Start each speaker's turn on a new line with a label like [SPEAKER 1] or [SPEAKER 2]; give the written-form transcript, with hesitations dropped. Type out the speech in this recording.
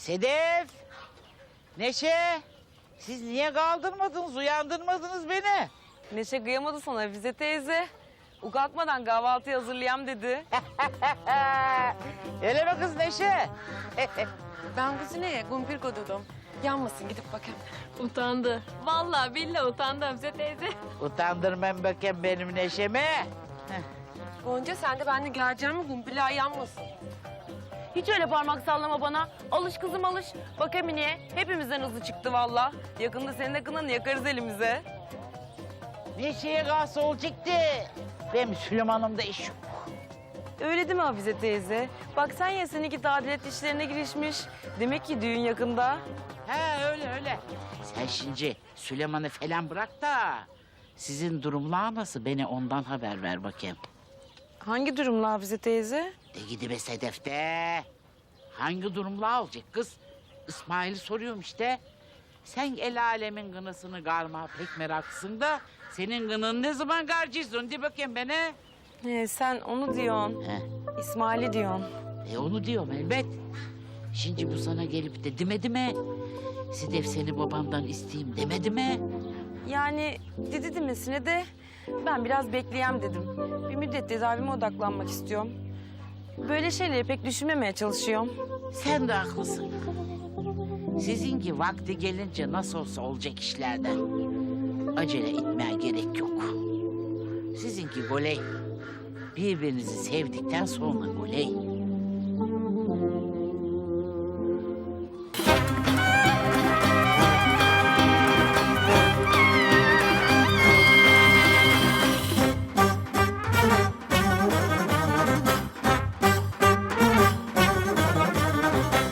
[SPEAKER 1] Sedef! Neşe! Siz niye kaldırmadınız, uyandırmadınız beni?
[SPEAKER 2] Neşe kıyamadı sana Hafize teyze. Kalkmadan kahvaltı hazırlayayım dedi.
[SPEAKER 1] Öyle mi kız Neşe?
[SPEAKER 3] Ben kuzineye kumpir kodudum. Yanmasın gidip bakayım.
[SPEAKER 4] Utandı. Vallahi billahi utandı Hafize teyze.
[SPEAKER 1] Utandırmam bakayım benim Neşe'mi.
[SPEAKER 3] Gonca sen de benimle geleceğim mi kumpirler yanmasın.
[SPEAKER 2] Hiç öyle parmak sallama bana. Alış kızım alış. Bak Emine'ye hepimizden hızlı çıktı valla. Yakında senin de kınanı yakarız elimize.
[SPEAKER 1] Neşe'ye kalsa olacaktı. Benim Süleyman'ımda iş yok.
[SPEAKER 2] Öyle değil mi Hafize teyze? Bak sen ya seninki tadilat işlerine girişmiş. Demek ki düğün yakında.
[SPEAKER 1] He öyle. Sen şimdi Süleyman'ı falan bırak da... ...sizin durumlar nasıl? Beni ondan haber ver bakayım.
[SPEAKER 2] Hangi durumla Hafize teyze?
[SPEAKER 1] De gidibe Sedef'te. Hangi durumlar olacak kız? İsmail'i soruyorum işte. Sen el alemin gınısını garma pek meraklısın da... ...senin gının ne zaman garcısın? De bakayım bana.
[SPEAKER 2] Sen onu diyorsun.
[SPEAKER 1] He.
[SPEAKER 2] İsmail'i diyorsun.
[SPEAKER 1] Onu diyorum elbet. Şimdi bu sana gelip de demedi mi? Sedef seni babamdan isteyeyim demedi mi?
[SPEAKER 2] Yani dedi demesine de ben biraz bekleyeyim dedim. Bir müddet tedavime odaklanmak istiyorum. Böyle şeyleri pek düşünmemeye çalışıyorum.
[SPEAKER 1] Sen de haklısın. Sizinki vakti gelince nasıl olsa olacak işlerden. Acele etmeye gerek yok. Sizinki goley. Birbirinizi sevdikten sonra goley.